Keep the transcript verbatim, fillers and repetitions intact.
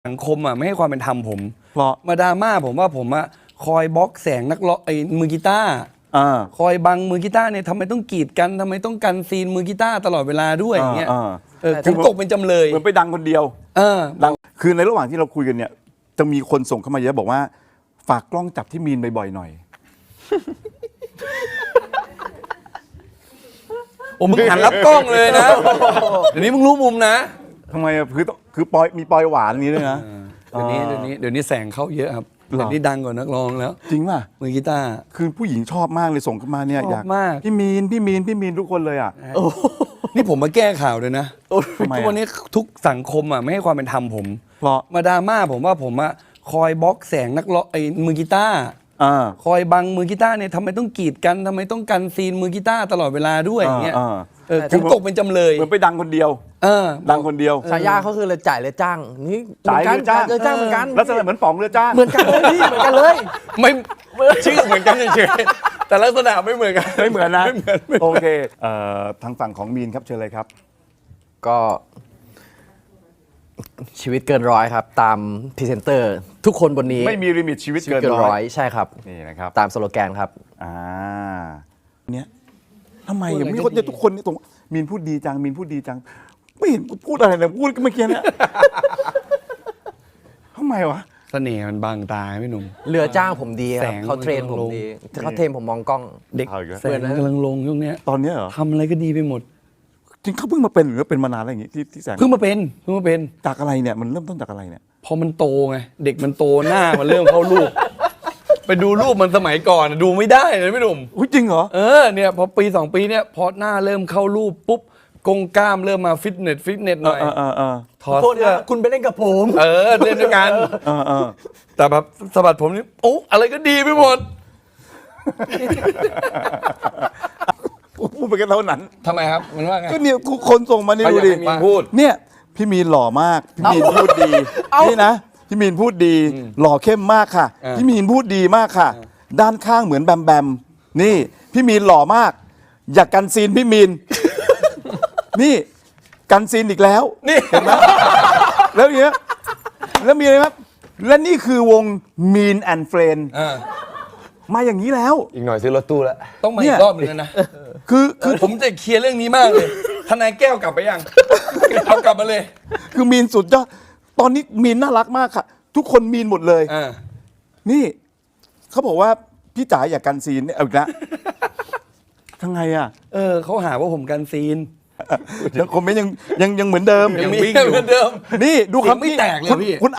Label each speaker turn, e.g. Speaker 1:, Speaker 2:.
Speaker 1: สังคมอ่ะไม่ให้ความเป็นธรรมผม
Speaker 2: เพราะ
Speaker 1: มาดราม่าผมว่าผมอ่ะคอยบล็อกแสงนักร้องไอ้มือกีตาร์คอยบังมือกีตาร์เนี่ยทำไมต้องกีดกันทำไมต้องกันซีนมือกีตาร์ตลอดเวลาด้วยอย่างเงี้ยเออผมตกเป็นจำเลย
Speaker 2: เหมือนไปดังคนเดียว
Speaker 1: เออ
Speaker 2: ดังคือในระหว่างที่เราคุยกันเนี่ยจะมีคนส่งเข้ามาเยอะบอกว่าฝากกล้องจับที่มีนบ่อยๆหน่อย
Speaker 1: โอ้มึงหันรับกล้องเลยนะเดี๋ยวนี้มึงรู้มุมนะ
Speaker 2: ทำไมอ่ะคือคือปอยมีปอยหวานนี้ด้วยนะ
Speaker 1: เดี๋ยวนี้เดี๋ยวนี้เดี๋ยวนี้แสงเข้าเยอะครับเดี๋ยวนี้ดังกว่านักร้องแล้ว
Speaker 2: จริงป่ะ
Speaker 1: มือกีตาร์
Speaker 2: คือผู้หญิงชอบมากเลยส่งเข้ามาเนี่ยอยาก
Speaker 1: มาก
Speaker 2: พี่มีนพี่มีนพี่มีนทุกคนเลยอ่ะ
Speaker 1: นี่ผมมาแก้ข่าวเลยนะทุกวันนี้ทุกสังคมอ่ะไม่ให้ความเป็นธรรมผม
Speaker 2: เพราะ
Speaker 1: มาดราม่าผมว่าผมอ่ะคอยบล็อกแสงนักร้องไอ้มือกีตาร์คอยบังมือกีตาร์เนี่ยทำไมต้องกีดกันทำไมต้องกันซีนมือกีตาร์ตลอดเวลาด้วยอย่างเงี้ยเออผมตกเป็นจำเลย
Speaker 2: เหมือนไปดังคนเดียว
Speaker 1: เออ
Speaker 2: ดังคนเดียว
Speaker 3: ฉายาเขาคือเลยจ่ายเลยจ้างนี่
Speaker 2: จ่ายเลยจ้าง
Speaker 3: เลยจ้างเหมือนกัน
Speaker 2: ลักษณะเหมือนป๋องเลยจ้าง
Speaker 3: เหมือนกันเลยพี่เหมือนกันเลย
Speaker 1: ไม่ชื่อเหมือนกันเฉยๆแต่ลักษณะไม่เหมือนกัน
Speaker 2: ไม่เหมือนนะโอเคเอ่อทางฝั่งของมีนครับเชิญเลยครับ
Speaker 3: ก็ชีวิตเกินร้อยครับตามพรีเซนเตอร์ทุกคนบนนี้
Speaker 2: ไม่มีลิมิตชีวิตเกินร้อย
Speaker 3: ใช่ครับ
Speaker 2: นี่นะครับ
Speaker 3: ตามสโลแกนครับ
Speaker 2: อ่าเนี่ยทำไมมีคนเนี่ยทุกคนนี่ตรงมีนพูดดีจังมีนพูดดีจังไม่เห็นพูดอะไรเลยพูดเมื่อกี้เนี่ยทำไมวะ
Speaker 1: เสน่ห์มันบางตาพี่หนุ่ม
Speaker 3: เรือจ้างผมดีครับเขาเทรนผมดีเขาเทรนผมมองกล้อง
Speaker 1: เด็กแสงกำลังลงช่วงนี้
Speaker 2: ตอนนี้เหรอ
Speaker 1: ทำอะไรก็ดีไปหมด
Speaker 2: จริงเขาเพิ่งมาเป็นหรือเป็นมานานอะไรอย่างงี้ที่ที่แสง
Speaker 1: เพิ่งมาเป็นเพิ่งมาเป็น
Speaker 2: จากอะไรเนี่ยมันเริ่มต้นจากอะไรเนี่ย
Speaker 1: พอมันโตไงเด็กมันโตหน้ามันเริ่มเข้ารูปไปดูรูปมันสมัยก่อนดูไม่ได้เลยพี่หนุ่ม
Speaker 2: จริงเหรอ
Speaker 1: เออเนี่ยพอปีสองปีเนี่ยพอหน้าเริ่มเข้ารูปปุ๊บกงกล้ามเริ่มมาฟิตเนสฟิตเนสหน่อย
Speaker 3: ถอดเสื้อคุณไปเล่นกับผม
Speaker 1: เออเล่นด้วยกันแต่แบบสะบัดผมนี่โอ้อะไรก็ดีไปหมด
Speaker 2: พูดไปกันเท่านั้น
Speaker 1: ทำไมครับมันว่าไง
Speaker 2: ก็เนี่ยทุกคนส่งมานี่ดูดิ
Speaker 1: พูด
Speaker 2: เนี่ยพี่มีนหล่อมากพี่มีนพูดดีนี่นะพี่มีนพูดดีหล่อเข้มมากค่ะพี่มีนพูดดีมากค่ะด้านข้างเหมือนแบมแบมนี่พี่มีนหล่อมากอยากกันซีนพี่มีนนี่กันซีนอีกแล้ว
Speaker 1: นี่
Speaker 2: เห็นไหมแล้วเนี้ยแล้วมีอะไรครับและนี่คือวง Mean and Friend มาอย่างนี้แล้ว
Speaker 3: อีกหน่อยซื้อรถตู้แล้ว
Speaker 1: ต้องมาอีกรอบนึงนะ
Speaker 2: คือคือ
Speaker 1: ผมจะเคลียร์เรื่องนี้มากเลยทนายแก้วกลับไปยังเอากลับมาเลย
Speaker 2: คือมีนสุดยอดตอนนี้มีนน่ารักมากค่ะทุกคนมีนหมดเลยนี่เขาบอกว่าพี่จ๋าอยากกันซีนเนี่ยเอาอีกแล้วทั้งไงอ่ะ
Speaker 1: เออเขาหาว่าผมกันซีน
Speaker 2: ยังคอมเมนต์ยังยังยังเหมือนเดิม
Speaker 1: ยังวิ่งอยู่เหมือนเดิม
Speaker 2: นี่ดูคำ
Speaker 1: ไม่แตกเลยพี่